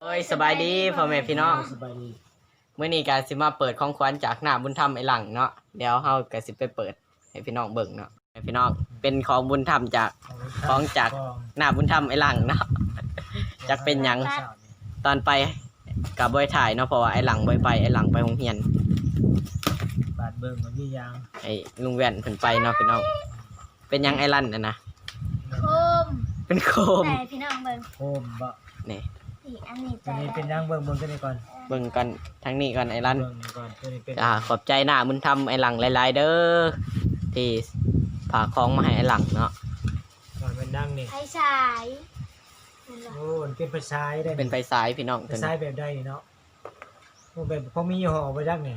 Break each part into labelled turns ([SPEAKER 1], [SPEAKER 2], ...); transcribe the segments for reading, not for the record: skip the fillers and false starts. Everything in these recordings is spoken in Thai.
[SPEAKER 1] ยสบายดีพ่อแม่พี่น้อง
[SPEAKER 2] สบายดี
[SPEAKER 1] มื้อนี้ก็สิมาเปิดของขวัญจากหน้าบุญธรรมไอ้หลังเนาะเดี๋ยวเฮาก็สิไปเปิดให้พี่น้องเบิ่งเนาะให้พี่น้องเป็นของบุญธรรมจากของจากหน้าบุญธรรมไอ้หลังเนาะจักเป็นหยังตอนไปก็บ่ได้ถ่ายเนาะเพราะว่าไอ้หลังบ่ได้ไปไอ้หลังไปโรงเรียน
[SPEAKER 2] บาดเบิ่งมันมียาง
[SPEAKER 1] ไอ้ลุงแว่นเพิ่นไปเนาะพี่น้องเป็นหยังไอ้ลั่นน่ะนะ
[SPEAKER 3] โคม
[SPEAKER 1] เป็นโคม
[SPEAKER 3] แต่พี่น้องเบิ่ง
[SPEAKER 2] โคมบ่
[SPEAKER 1] นี่
[SPEAKER 3] สีอันนี้
[SPEAKER 2] ตัว
[SPEAKER 3] แต่
[SPEAKER 2] นี้เป็นยางเบิ่งตัวนี้ก่อน
[SPEAKER 1] เบิ่งกันทั้งนี้ก่อนไอ้ลั่น
[SPEAKER 2] เบิ่งก่อนตัวนี้เป็น
[SPEAKER 1] ขอบใจหน้าบุญธรรมไอ้หลังหลายๆเด้อที่ฝากของมาให้ไอ้หลังเนาะ
[SPEAKER 2] ก่อนเป็นดังนี่
[SPEAKER 3] ไฟฉายนั่นแหละ
[SPEAKER 2] โอ้มันเป็นไฟฉายได้
[SPEAKER 1] เป็นไฟสายพี่น้อง
[SPEAKER 2] ไฟ
[SPEAKER 1] ตัว
[SPEAKER 2] ฉาย
[SPEAKER 1] นี้
[SPEAKER 2] แบบใดนี่เนาะโอ้แบบพอมียี่ห้อบ่จักนี่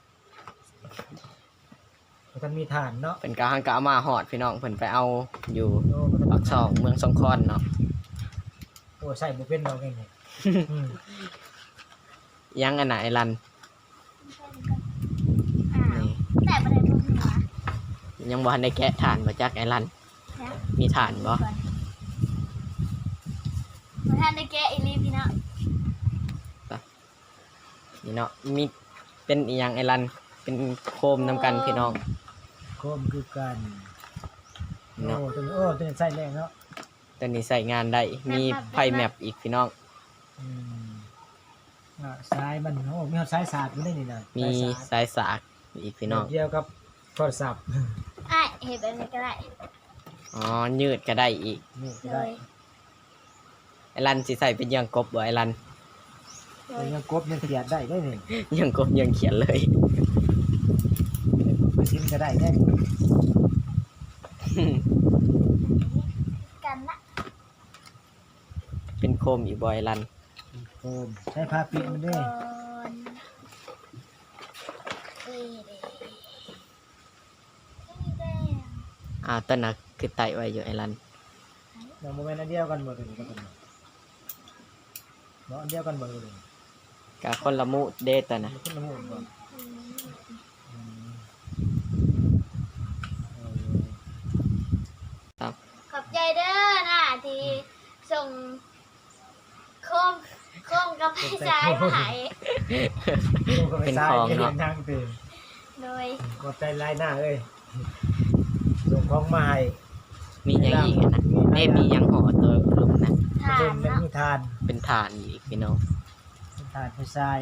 [SPEAKER 2] มันมีฐานเนาะ
[SPEAKER 1] เป็นกะหังกะเอามาฮอดพี่น้องเพิ่นไปเอาอยู่
[SPEAKER 2] โอ้มัน
[SPEAKER 1] ปากช่องเมืองสงขลาเนาะ
[SPEAKER 2] โอ้ใส่บ่เป็นดอกนี่อืม
[SPEAKER 1] ยังอันน่ะไอ้ลั่น
[SPEAKER 3] อ้าว
[SPEAKER 1] นี่
[SPEAKER 3] แต่ประเด็นมันคือว่า
[SPEAKER 1] ยังบ่ทันได้แกะถ่านบ่จักไอ้ลั่น
[SPEAKER 3] นะ
[SPEAKER 1] มีถ่านบ่
[SPEAKER 3] พอท่านได้แกะอีลีพี่น้อง
[SPEAKER 1] นี่เนาะมีเป็นอีหยังไอ้ลั่นเป็นโคมนำกันพี่น้อง
[SPEAKER 2] โคมคือกันโอ้
[SPEAKER 1] เนาะ
[SPEAKER 2] ตัวนี้ใส่แรงเนาะ
[SPEAKER 1] ตัวนี้ใส่งานได้มีไฟแมปอีกพี่น้อง
[SPEAKER 2] อืมสายมันโอ้มีสายสาดอยู่ได้นี่นะ
[SPEAKER 1] มี
[SPEAKER 2] สายสาด
[SPEAKER 1] สายสากอีกพี่น้อง
[SPEAKER 2] เดียวกับโทรศัพท์
[SPEAKER 3] อ้ายเห็นแบบนี้ก็ได้
[SPEAKER 1] อ๋อยืดก็ได้อีก
[SPEAKER 2] นี่ก็
[SPEAKER 3] เล
[SPEAKER 2] ได้
[SPEAKER 3] ย
[SPEAKER 1] ไอ้ลันสิใส่เป็นยังกบบ่ไอ้ลัน
[SPEAKER 3] โดย
[SPEAKER 2] ยังกบยังขยันได้ได้นี่
[SPEAKER 1] ยังกบยังเขียนเลย
[SPEAKER 2] ไปซิมก็ได้ได้
[SPEAKER 3] กันนะ
[SPEAKER 1] เป็นโคมอีกบ่ไอ้ลัน
[SPEAKER 2] โคมใช้ผ้าปิดมันด้วย
[SPEAKER 3] เอ้ยเด้นี่แดง
[SPEAKER 1] ต้นน่ะคือไตไว้อยู่ไอ้ลัน
[SPEAKER 2] เราโมเมนต์อันเดียวกันหมดเลยก็เป็นเนาะอันเดียวกันหมดเลย
[SPEAKER 1] กะคนละมุเด้ตัวน่ะ
[SPEAKER 2] ขึ้นน้ำมันก่อน
[SPEAKER 3] อืม
[SPEAKER 1] ครับ
[SPEAKER 3] ขอบใจเด้อนะที่ส่งโคมกับไฟฉายมาให้
[SPEAKER 1] เป็นของเนาะ
[SPEAKER 2] ทางเต็ม
[SPEAKER 3] โดย
[SPEAKER 2] กดใจลายหน้าเลยส่งของมาให้
[SPEAKER 1] มีหยังอีกอะนะมีหยังห่อตัวลุมนะ
[SPEAKER 3] ทา
[SPEAKER 2] เป็น น
[SPEAKER 3] เนาะ
[SPEAKER 2] มีทาน
[SPEAKER 1] เป็นฐานอีกพี่น้อง
[SPEAKER 2] ทานไปใส่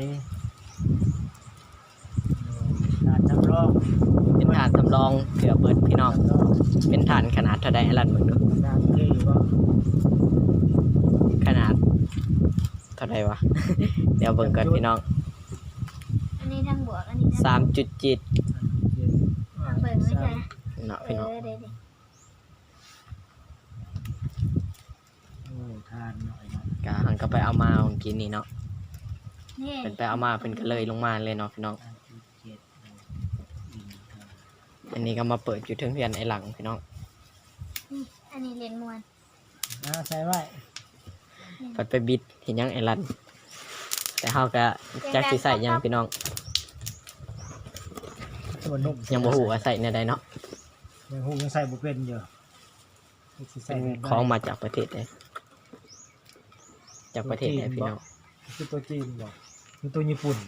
[SPEAKER 2] ทานจำลอง
[SPEAKER 1] เป็นฐานสำรองเผื่อเบิดพี่น้อง
[SPEAKER 2] จำลอง
[SPEAKER 1] เป็นฐานขนาดเท่าใดไอ้ลันเบิ่งดู
[SPEAKER 2] ทานที่ว่า
[SPEAKER 1] ขนาดเท่าใดวะ เดี๋ยวเบิ่งก่อนพี่น้อง
[SPEAKER 3] อันนี้ทั้งบวกอันนี้ทั้ง
[SPEAKER 1] 3.7
[SPEAKER 3] ทางเบิ่งไม่ใช่
[SPEAKER 1] เนาะพี่น้อง
[SPEAKER 3] เดี๋ยว
[SPEAKER 2] โอ้ทานหน่อยนะ
[SPEAKER 1] กะหังก็ไปเอามาเมื่อกี้นี่เนาะ
[SPEAKER 3] นี่
[SPEAKER 1] เป็นไปเอามาเป็นก็เลยลงมาเลยเนาะพี่น้อง
[SPEAKER 2] ทานที่เจ็ด
[SPEAKER 1] อันนี้ก็มาเปิดอยู่เทิงเพียนไอ้หลังพี่น้อง
[SPEAKER 3] นี่อันนี้เลนมวน
[SPEAKER 2] ใส่ไว้
[SPEAKER 1] ปัดไปบิดเห็นยังไอ้ลันแต่เฮาก็จักสิใส่หยังพี่น้อง
[SPEAKER 2] ตัวนุ่ม
[SPEAKER 1] ยังบ่ฮู้ว่าใส่แนวใดเนาะ
[SPEAKER 2] ยังหูยังใส่บุเป็นอยู่สิใส่
[SPEAKER 1] เป็น
[SPEAKER 2] แบบไหน
[SPEAKER 1] ของมาจากประเทศใดจากประเทศใดพี่น้อง
[SPEAKER 2] คือตัวจีนบอกคือตัวญี่ปุ่น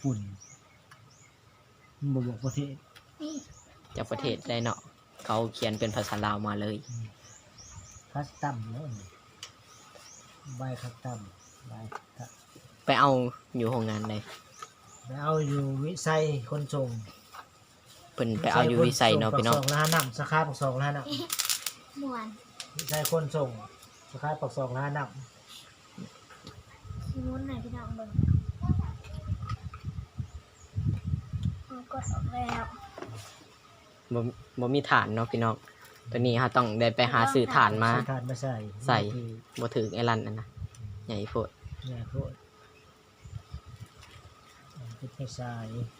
[SPEAKER 2] มันบอกประเทศ
[SPEAKER 3] นี่
[SPEAKER 1] จากประเทศใดเนาะเขาเขียนเป็นภาษาลาวมาเลย
[SPEAKER 2] คัสตัมเนาะใบคัสตัมใบคัส
[SPEAKER 1] ไปเอาอยู่โรงงานใด
[SPEAKER 2] ไปเอาอยู่วิสัยคนส่ง
[SPEAKER 1] เพิ่นไปเอาอยู่วิสัยเนาะพี่น้อง
[SPEAKER 2] ปักซองล้านน้ำสาขาปักซองล้านน้
[SPEAKER 3] มวน
[SPEAKER 2] ำวิสัยคนส่งสาขาปักซองล้านน้
[SPEAKER 3] ขี้มุนหน่อยพี่น้องเบิ่งเอากดออกแล้ว
[SPEAKER 1] บ่มีฐานเนาะพี่น้องตัวนี้เฮาต้องได้ไปหาซื้อฐาน
[SPEAKER 2] ำ
[SPEAKER 1] มา
[SPEAKER 2] ซื้อถ่านมาใส่
[SPEAKER 1] ใส่ บ่ถึงไอ้ลันนั่นนะใหญ่โพด
[SPEAKER 2] เนี่ยโคตรเป็นไปใส่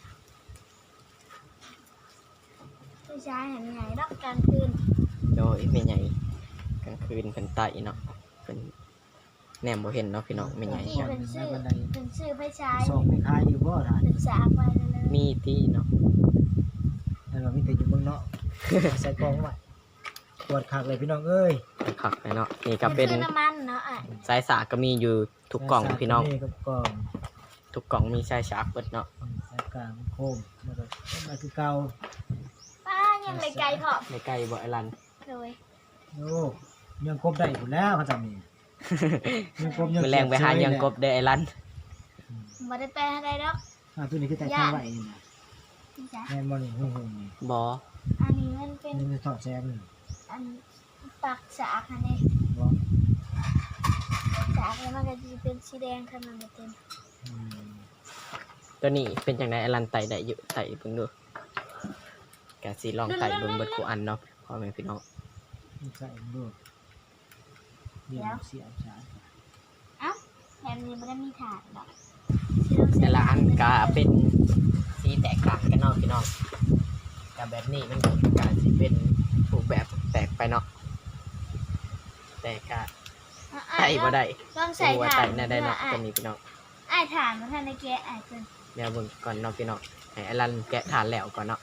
[SPEAKER 3] ไฟฉายเห็นไงดอกกลางคืน
[SPEAKER 1] โดยไม่ใหญ่กลางคืนเพิ่นไต่เนาะเพิ่นแนมบ่เห็นเนาะพี่น้องไม่ใหญ่
[SPEAKER 3] ที่เป็นชื่อไฟฉาย
[SPEAKER 2] ส่งไปขายอยู่บ่ถ่าน
[SPEAKER 3] เป็นสากไว้เลย
[SPEAKER 1] มีที่เนาะ
[SPEAKER 2] แล้วเรามีแต่อยู่เมืองนอก ใส่กล่องไว้ปวดคักเลยพี่น้องเอ้ย
[SPEAKER 1] คักเลยเนาะนี่ก็เป็น
[SPEAKER 3] คือน้ำมันเนาะอ่ะ
[SPEAKER 1] สายสากก็มีอยู่ทุกกล่องพี่น้อง
[SPEAKER 2] กับกล่อง
[SPEAKER 1] ทุกกล่องมีสายสากเบิดเนาะ
[SPEAKER 2] สายกลางโคมแล้วก็มาคือเก่า
[SPEAKER 3] ป้ายังเลยไกลพอ
[SPEAKER 1] ในไกลบ่ไอ้ลัน
[SPEAKER 3] เลย
[SPEAKER 2] โอ้ยังกบได้อยู่แล้วเขาจำนี่ยังกบยัง
[SPEAKER 1] มือแรงไปหายังกบได้ไอ้ลัน
[SPEAKER 3] มาได้แปลอะไรแล้ว
[SPEAKER 2] ตัวนี้คือแต่ข้าวไหวนี่นะ
[SPEAKER 3] พี่จ๊ะ
[SPEAKER 2] แม่นบอลนี่หุ่งๆนี่
[SPEAKER 1] บ่
[SPEAKER 3] อันนี้มันเป็น
[SPEAKER 2] นี่มันถอดแซมนี่
[SPEAKER 3] อันปักสากอันนี้
[SPEAKER 2] บ่
[SPEAKER 3] สากแล้วมันก็จะเป็นสีแดงขนาดเต็ม
[SPEAKER 2] อืม
[SPEAKER 1] ตัวนี้เป็นจังไดไอ้ลันไต่ได้อยู่ไต่เบิ่งดูกะสิลองไต่เบิ่งเบิดกูอันเนาะพ่อแม่พี่น้อง
[SPEAKER 2] นี่ใส่ดูเดี๋ยวเสียบสาย
[SPEAKER 3] เอ้าแบบนี้มันได้มีถาดหรอก
[SPEAKER 1] แต่ละอันก็เป็นสีแตกต่างกันเนาะพี่น้องกับแบบนี้มันก็สิเป็นรูปแบบแตกไปเนาะแต่ก็ไต่บ่ได้
[SPEAKER 3] ต้องใส่
[SPEAKER 1] ว่า
[SPEAKER 3] ถา
[SPEAKER 1] ไต่
[SPEAKER 3] ด
[SPEAKER 1] น่าได้เนาะ
[SPEAKER 3] อ่ะ
[SPEAKER 1] ตัวนี้พี่น้อง
[SPEAKER 3] ไอ้ถาดมันทันในแกะไอ้เกิน
[SPEAKER 1] เดี๋ยวเบิ่งก่อนเนาะพี่น้องให้ไอ้ลันแกะทานแล้วก่อนเนาะ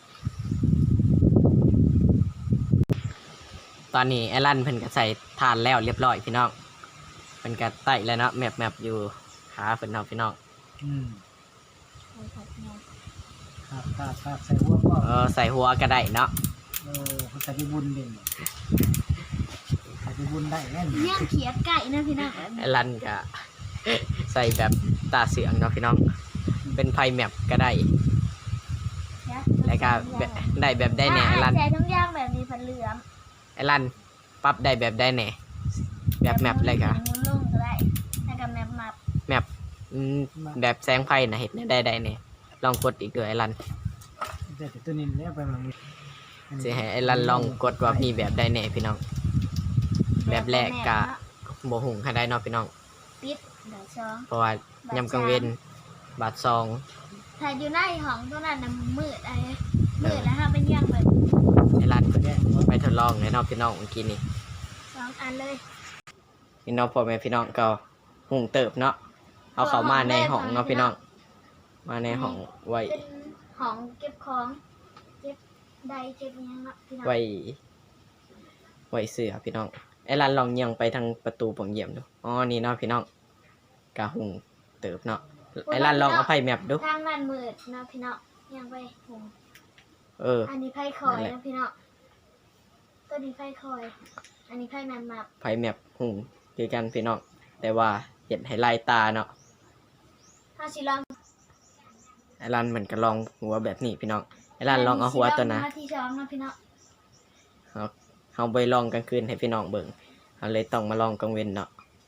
[SPEAKER 1] ตอนนี้ไอ้ลันเพิ่นก็ใส่ทานแล้วเรียบร้อยพี่น้องเพิ่นก็ไต่แล้วเนาะแมปอยู่ขาเพิ่นเนาะพี่น้อง
[SPEAKER 2] อืม
[SPEAKER 3] ใส่ผัดเนาะ
[SPEAKER 2] ครับใส่หัวก็
[SPEAKER 1] ใส่หัวก็ได้เนาะ
[SPEAKER 2] เขาใส่ไปบุญเด่นใส่ไปบุญได้แน่น
[SPEAKER 3] ย่างเขียดไก่นะพี่น้อง
[SPEAKER 1] ไอ้ลันก็ใส่แบบตาเสืองเนาะพี่น้องเป็นไพ่แมปก็ได้แล้วก็ได้แบบได้แหน่ไอ้ลัน
[SPEAKER 3] ใส่ทุกอย่างแบบนี้ผัดเหลือง
[SPEAKER 1] ไอ้ลันปรับได้แบบได้แหน่แบบแมปเลยค่ะ
[SPEAKER 3] มุนลงก็ได้แล้วก็แมปมา
[SPEAKER 1] แมปแบบแสงไฟนะเห็นได้แหน่ลองกดอีกด้วยไอ้ลัน
[SPEAKER 2] แต่ตัวนี้เนี่ยไปมันมี
[SPEAKER 1] สิให้ไอ้ลันลองกดว่ามีแบบได้แหน่พี่น้อง แบบแรกก็บ่หุงให้ได้เนาะพี่น้อง
[SPEAKER 3] ปิดเดี๋ยวช้อง
[SPEAKER 1] เพราะว่ายำกลางเวนบาทซอง
[SPEAKER 3] ถ้าอยู่ในห้องตัวนั้นน่ะมืดอะไรมืดแล้วค่ะเป็นย่างแบบ
[SPEAKER 1] ไอ้ลันไปทดลองเลยเนาะพี่น้องเมื่อกี้นี้
[SPEAKER 3] สองอันเลย
[SPEAKER 1] พี่น้องพ่อแม่พี่น้องก็หุงเติบเนาะเอาเข้ามาในห้องเนาะพี่น้องมาในห้องไว้
[SPEAKER 3] เป็นห้องเก็บของเก็บใดเก็บอิหยังเนาะพี่น้อง
[SPEAKER 1] ไว้เสื้อพี่น้องไอ้ลันลองเยียงไปทางประตูผมเยี่ยมดูอ๋อนี่เนาะพี่น้องกะหุงเติบเนาะไอ้ลันลองเอาไพ่แมปดู
[SPEAKER 3] ทางนั้นมืดเนาะพี่น้องยังไปหุง
[SPEAKER 1] เออ
[SPEAKER 3] อันนี้ไพ่คอย
[SPEAKER 1] นั่นแหละ
[SPEAKER 3] นะพี่น้องตัวนี้ไพ่คอย อันนี้ไพ่แมนมับ
[SPEAKER 1] ไพ่แมปหุงคือกันพี่น้องแต่ว่าเห็นให้ลายตาเนาะ
[SPEAKER 3] ถ้าสิลอง
[SPEAKER 1] ไอ้ลันเหมือนกับลองหัวแบบนี้พี่น้องไอ้ลันลองเอาหัวตัวนะ
[SPEAKER 3] มาที่ช้องนะพี่น้อง
[SPEAKER 1] เอาไปลองกลางคืนให้พี่น้องเบิ่งเอาเลยต้องมาลองกลางเว้นเนาะ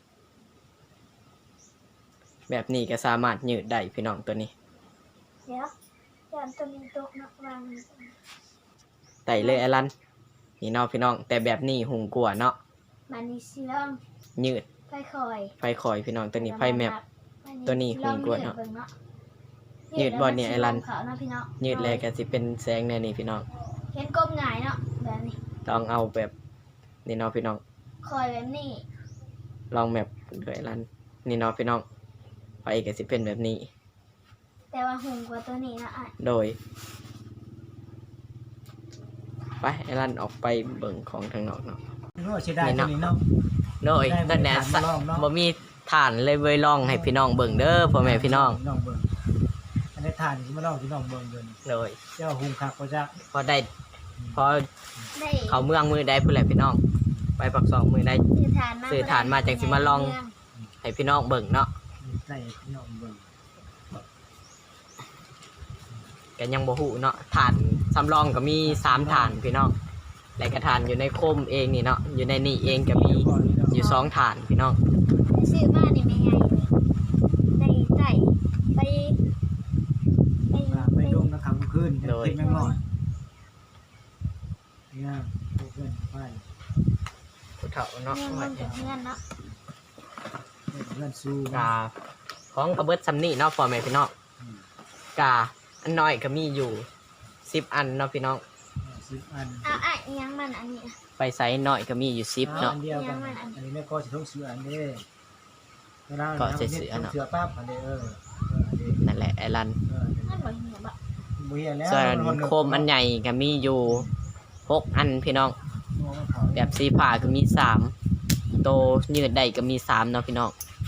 [SPEAKER 1] แบบนี้ก็สามารถยืดได้พี่น้องตัวนี้
[SPEAKER 3] เดี๋ยวจานตัวนี้ตกนะวาง
[SPEAKER 1] ไต่เลยไอ้ลันนี่เนาะพี่น้องแต่แบบนี้หุงกลัวาเนาะ
[SPEAKER 3] มานี่สิลอง
[SPEAKER 1] ยืด
[SPEAKER 3] ไพ่คอย
[SPEAKER 1] ไฟคอยพี่น้องตัวนี้ไฟแมป ตัวนี้หุงกว่าเนาะยืดบ่เนี่ยไอ้ลัน
[SPEAKER 3] เขานะพี่น้อง
[SPEAKER 1] ยืดเลยก็สิเป็นแสงแน่นี่พี่น้อง
[SPEAKER 3] เห็นก้มหงายเนาะแบบนี้
[SPEAKER 1] ลองเอาแบบนี่เนาะพี่น้อง
[SPEAKER 3] คอยแบบนี้
[SPEAKER 1] ลองแบบด้วยลันนี่เนาะพี่น้องไฟก็สิเป็นแบบนี้
[SPEAKER 3] แต่ว่าหุงกว่าตัวนี้นะอ่ะ
[SPEAKER 1] โดยไปไอ้ลันออกไปเบิ่งของทางนอกเนาะ
[SPEAKER 2] โอ้เสียดายตัวนี้เนาะ
[SPEAKER 1] โดย
[SPEAKER 2] ได้
[SPEAKER 1] ตั้งแต่
[SPEAKER 2] ฐานมาลองเนาะ
[SPEAKER 1] บ่มีฐานเลยเว้ยลองให้พี่น้องเบิ่งเด้อพ่อแม่พี่น้อง
[SPEAKER 2] น้องเบิ่งอันนี้ทานที่มาลองที่น้องเบิ่งเดิน
[SPEAKER 1] โดย
[SPEAKER 2] เจ้าหุงคักก็จะ
[SPEAKER 1] พอได้พอ
[SPEAKER 3] ได้
[SPEAKER 1] เขาเมืองมือได้พุ่นแหละพี่น้อง ไปปักซองมือได้
[SPEAKER 3] สื่อฐานมา
[SPEAKER 1] จังสิมาลอง ให้พี่น้องเบิ่งเนาะ
[SPEAKER 2] ใส่น้องเบิ่ง
[SPEAKER 1] ก็ยังบ่ฮู้เนาะฐานสำรองก็มี3ฐานพี่น้องและก็ฐานอยู่ในโคมเองนี่เนาะอยู่ในนี่เองก็มีอยู่2ฐานพี่น้อง
[SPEAKER 3] ซื้อมานี่ไม่ไงได้ใส่ไปไป
[SPEAKER 2] ไปดมนะครับคืนเป็นแมงมอดเนี่ยเพื่อนไป
[SPEAKER 1] ผู้เฒ่าเนาะ
[SPEAKER 3] เงินจากเงินเนาะ
[SPEAKER 2] เพื่อนสู้
[SPEAKER 1] กาของกระเบิดซำนี่เนาะพ่อแม่พี่น้องกาอันน้อยก็มีอยู่10อันเนาะพี่น้อง
[SPEAKER 2] 10 อัน
[SPEAKER 3] เอาไอ้ยังมันอันนี้
[SPEAKER 1] ไปไซส์น้อยก็มีอยู่10เนาะ
[SPEAKER 2] อันเดียวกันอันนี้แม่ก็จะต้องซื้ออันนี้เวลา
[SPEAKER 1] ก็จะซื้ออันเนาะ
[SPEAKER 2] เสือปั๊บอันนี้
[SPEAKER 1] นั่นแหละไอ้ลัน
[SPEAKER 3] มันบ่เหี่ยวบ่
[SPEAKER 2] บุเฮียแล้ว
[SPEAKER 1] ส่วนโคมอันใหญ่ก็มีอยู่6อันพี่น้อง
[SPEAKER 2] มัน
[SPEAKER 1] แบบสีผ้าก็มี3โตยืดได้ก็มี3เนาะพี่น้อง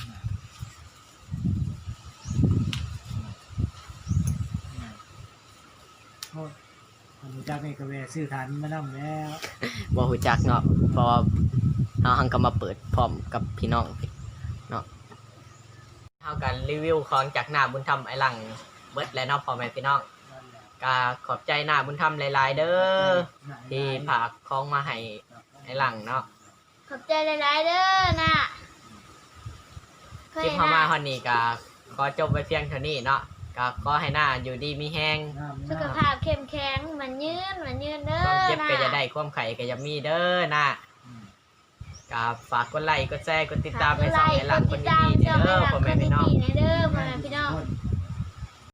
[SPEAKER 2] โอ้คนรู้จักนี่ก็แวะซื้อฐานมานำแล้ว
[SPEAKER 1] บ่ฮู้จักเนาะเพราะว่าเฮาหังก็มาเปิดพร้อมกับพี่น้องเนาะเฮากันรีวิวของจากหน้าบุญธรรมไอ้หลังเบิดแล้วเนาะพ่อแม่พี่น้องก็ขอบใจหน้าบุญธรรมหลายๆเด้อที่ฝากของมาให้ไอ้หลังเนาะ
[SPEAKER 3] ขอบใจหลายๆเด้อน่ะเค
[SPEAKER 1] คลิ
[SPEAKER 3] ย
[SPEAKER 1] ปเข้ามา
[SPEAKER 3] น่ะ
[SPEAKER 1] ฮอนนี้ก็ขอจบไว้เพียงเท่านี้เนาะก็ขอให้หน้าอยู่ดีมีแห้ง
[SPEAKER 3] สุขภาพเข้มแข็งมันยืนเด้อ
[SPEAKER 1] ความเจ็บ
[SPEAKER 3] น่ะ
[SPEAKER 1] ก็จะได้ความไข่ก็จะมีเด้อนะก็ฝากกดไลค์กดแชร์กดติดตามให้ช่องไอ้หลังคนดีๆเด้อพ่อแม่พี่น้อง
[SPEAKER 3] เด้อพ่อแม่พี่น้อง
[SPEAKER 2] คน